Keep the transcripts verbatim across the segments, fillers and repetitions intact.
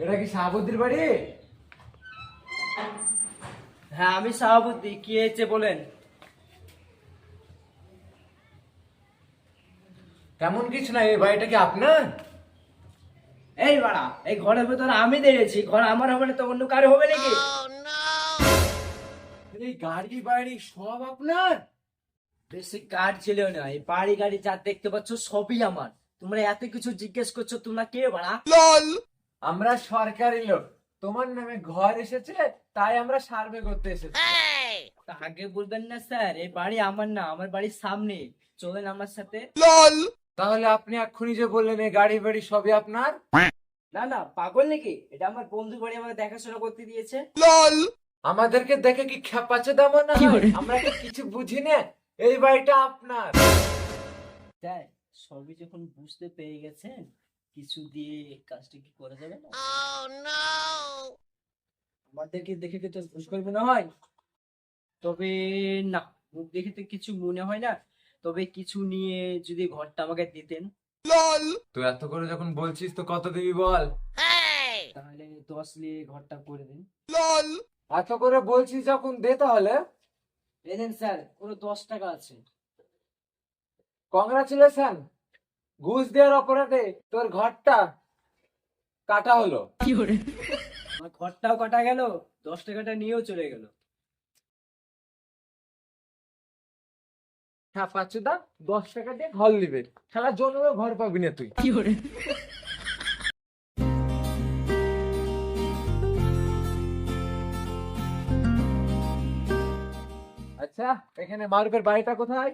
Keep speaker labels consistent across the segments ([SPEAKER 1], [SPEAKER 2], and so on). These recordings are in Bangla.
[SPEAKER 1] এটা কি শাহাবুদ্দির বাড়ি?
[SPEAKER 2] হ্যাঁ আমি সভাপতি, কি হয়েছে বলেন।
[SPEAKER 1] তেমন কিছু না, এই বাড়িটা কি আপনার?
[SPEAKER 2] এই বাড়া, এই ঘরের ভেতরে আমি দাঁড়িয়েছি, ঘর আমার হবে না তো অন্য কারো হবে নাকি?
[SPEAKER 1] এই গাড়ি বাড়ি সব আপনার?
[SPEAKER 2] বেশি কার ছিল না, এই বাড়ি গাড়ি যা দেখতে পাচ্ছ সবই আমার। তোমরা এত কিছু জিজ্ঞেস করছো, তোমরা কে বাড়া?
[SPEAKER 1] আমরা সরকারি লোক, তোমার নামে ঘর এসেছে তাই আমরা সার্ভে করতে এসেছি।
[SPEAKER 2] তা আগে বলবেন না স্যার, এই বাড়ি আমার না, আমার বাড়ির সামনে। চলেন আমার সাথে।
[SPEAKER 1] তাহলে আপনি এক্ষুনি যে বললেন এই গাড়ি বাড়ি সবই আপনার?
[SPEAKER 2] না না, পাগল নাকি? এটা আমার বন্ধু বাড়ি, আমাকে দেখাশোনা করতে দিয়েছে।
[SPEAKER 1] আমাদেরকে দেখে কি খেপাচ্ছে দাম না? আমরা কি কিছু বুঝি না? এই বাড়িটা আপনার।
[SPEAKER 2] তাই সবই যখন বুঝতে পেরে গেছেন, কিছু দিয়ে কাজটা কি করা যাবে না? আমাদেরকে দেখে কি তো ঘুষ করবে না হয়? তবে না, মুখ দেখে তো কিছু মনে হয় না। তবে কিছু নিয়ে যদি ঘরটা আমাকে দিতেন।
[SPEAKER 1] তো এত করে যখন বলছিস তো কত দিবি বল?
[SPEAKER 2] তাহলে দশ নিয়ে ঘরটা করে দিন।
[SPEAKER 1] এত করে বলছিস যখন দে তাহলে।
[SPEAKER 2] এই দেন স্যার, পুরো দশ টাকা আছে।
[SPEAKER 1] কংগ্রাচুলেশন, ঘুষ দেওয়ার অপরাধে তোর ঘরটা কাটা হলো।
[SPEAKER 2] আমার ঘরটাও কাটা গেল, দশ টাকাটা নিয়েও চলে গেল।
[SPEAKER 1] হ্যাঁ পাঁচুদা, দশ টাকা দিয়ে ঘর নিবে, সারা জন্মে ঘর পাবি না তুই। আচ্ছা, এখানে মারুফের বাড়িটা কোথায়?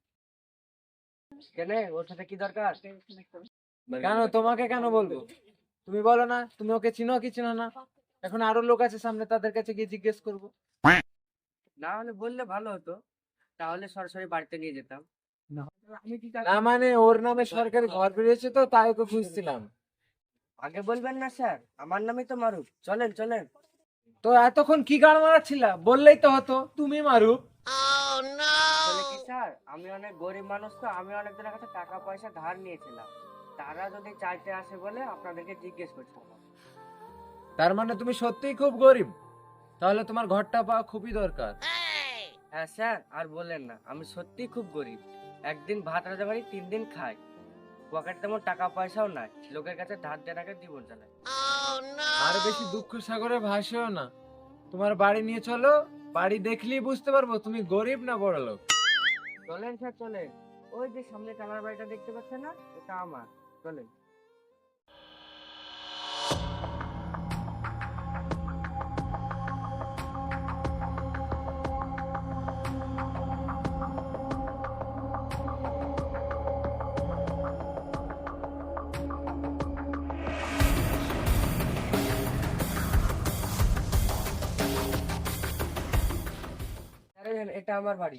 [SPEAKER 2] কেন, ওর সাথে কি দরকার?
[SPEAKER 1] কেন, তোমাকে কেন বলবো? তুমি বলো না, তুমি ওকে চিনো কি চিনো না? এখন আরো লোক আছে সামনে, তাদের কাছে গিয়ে জিজ্ঞেস করবো।
[SPEAKER 2] না হলে বললে ভালো হতো, তাহলে সরাসরি বাড়িতে নিয়ে যেতাম।
[SPEAKER 1] না মানে ওর নামে সরকারি ঘর বেরিয়েছে তো তাই ওকে খুঁজছিলাম।
[SPEAKER 2] আগে বলবেন না স্যার, আমার নামই তো মারুফ। চলেন চলেন।
[SPEAKER 1] তো এতক্ষণ কি গান মারাচ্ছিলা? বললেই তো হতো তুমি মারুফ।
[SPEAKER 2] আসলে কি স্যার, আমি অনেক গরিব মানুষ, তো আমি অনেকজনের কাছে টাকা পয়সা ধার নিয়েছিলাম। তারা যদি চাইতে আসে বলে আপনাদেরকে জিজ্ঞেস করছিলাম।
[SPEAKER 1] তার মানে তুমি সত্যিই খুব গরিব? তাহলে তোমার ঘরটা পাওয়া খুবই দরকার।
[SPEAKER 2] হ্যাঁ স্যার, আর বললেন না, আমি সত্যি খুব গরিব। একদিন ভাত রাজা বাড়ি, তিন দিন খাই। পকেট তেমন টাকা পয়সাও নাই, লোকের কাছে ধার দেনাকে জীবন চালাই।
[SPEAKER 1] আর বেশি দুঃখ সাগরে ভাসেও না। তোমার বাড়ি নিয়ে চলো, বাড়ি দেখলেই বুঝতে পারবো তুমি গরিব না বড় লোক।
[SPEAKER 2] চলেন স্যার চলেন। ওই যে সামনে কালার বাড়িটা দেখতে পাচ্ছেন না, ওটা আমার। চলেন। স্যার, এটা আমার বাড়ি।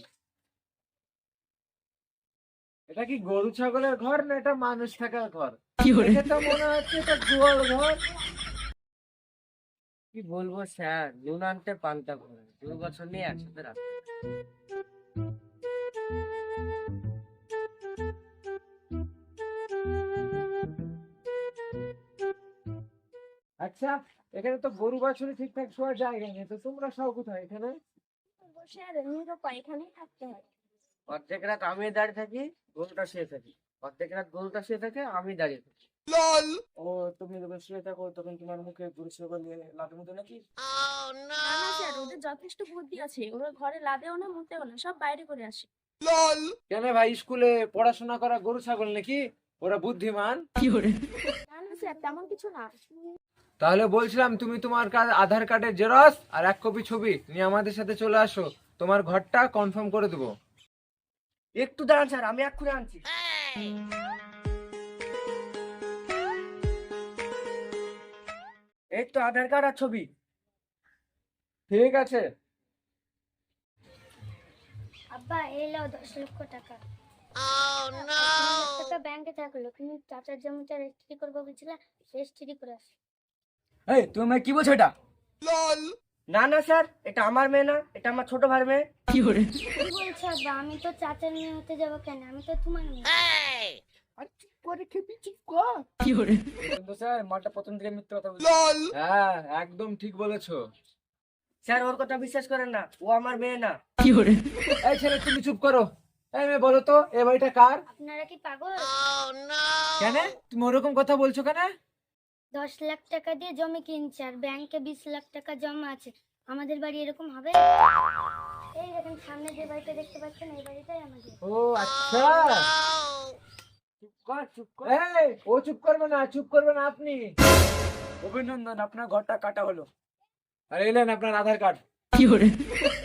[SPEAKER 1] এটা কি গরু ছাগলের ঘর না এটা মানুষ থাকার ঘর? দেখে তো মনে হচ্ছে এটা গোয়াল ঘর।
[SPEAKER 2] কি বলবো স্যার, নুন আনতে পান্তা করে দু বছর নিয়ে একসাথে রাখতে।
[SPEAKER 1] আচ্ছা, এখানে তো গরু বাছুরি ঠিকঠাক শোয়ার জায়গা নেই, তো তোমরা সব কোথায় এখানে?
[SPEAKER 3] বসে আর নিরুপায় এখানেই থাকতে হয়।
[SPEAKER 2] অর্ধেক রাত আমি দাঁড়িয়ে থাকি, গরুটা শুয়ে থাকি। অর্ধেক রাত গরুটা শুয়ে থাকে, আমি দাঁড়িয়ে থাকি।
[SPEAKER 1] ও, তুমি যখন শুয়ে থাকো তখন তোমার মুখে গরু ছাগল নিয়ে লাঠি মতো নাকি?
[SPEAKER 3] না না স্যার, ওদের যথেষ্ট বুদ্ধি আছে, ওরা ঘরে লাদেও না মুতেও না, সব বাইরে করে আসে।
[SPEAKER 1] কেন ভাই, স্কুলে পড়াশোনা করা গরু ছাগল নাকি? ওরা বুদ্ধিমান।
[SPEAKER 3] না না স্যার, তেমন কিছু না।
[SPEAKER 1] তাহলে বলছিলাম তুমি তোমার কাছে আধার কার্ডের জেরক্স আর এক কপি ছবি নিয়ে আমাদের সাথে চলে আসো, তোমার ঘরটা কনফার্ম করে দেবো।
[SPEAKER 2] একটু দাঁড়ান স্যার, আমি এক্ষুনি আনছি। এই তো আধার কার্ড আর ছবি।
[SPEAKER 1] ঠিক আছে।
[SPEAKER 3] আব্বা, এই লাও দশ লক্ষ টাকা। তিন লাখ টাকা ব্যাংকে থাকলো, তুমি চাচার জমিটা রেজিস্ট্রি করবো বলছিলে, রেজিস্ট্রি করে আসো।
[SPEAKER 2] এই তুমি কি বলছো এটা? না না স্যার, এটা আমার মেয়ে না, এটা আমার ছোট ভাইয়ের মেয়ে।
[SPEAKER 3] কি বলছো আব্বা? আমি তো চাচার মেয়ে হতে যাবো কেন? আমি তো তোমার মেয়ে।
[SPEAKER 1] কিন্তু স্যার মালটা প্রথম থেকে মিথ্যে কথা বলছে। হ্যাঁ একদম ঠিক বলেছো।
[SPEAKER 2] স্যার ওর কথা বিশ্বাস করেন না, ও আমার মেয়ে না।
[SPEAKER 1] এই ছেলে তুমি চুপ করো। এই মেয়ে বলো তো এ বাড়িটা কার?
[SPEAKER 3] আপনারা কি পাগল?
[SPEAKER 1] কেন তুমি ওরকম কথা বলছো কেন?
[SPEAKER 3] দশ লাখ টাকা দিয়ে জমি কিনছে আর ব্যাংকে বিশ লাখ টাকা জমা আছে, আমাদের বাড়ি এরকম হবে? এই দেখেন সামনে যে বাড়িটা দেখতে পাচ্ছেন এই বাড়িটাই আমাদের।
[SPEAKER 1] ও আচ্ছা।
[SPEAKER 2] চুপ কর চুপ কর।
[SPEAKER 1] এই ও চুপ করবে না, চুপ করবে না আপনি।
[SPEAKER 2] অভিনন্দন, আপনার ঘরটা কাটা হলো।
[SPEAKER 1] আর এলেন আপনার আধার কার্ড।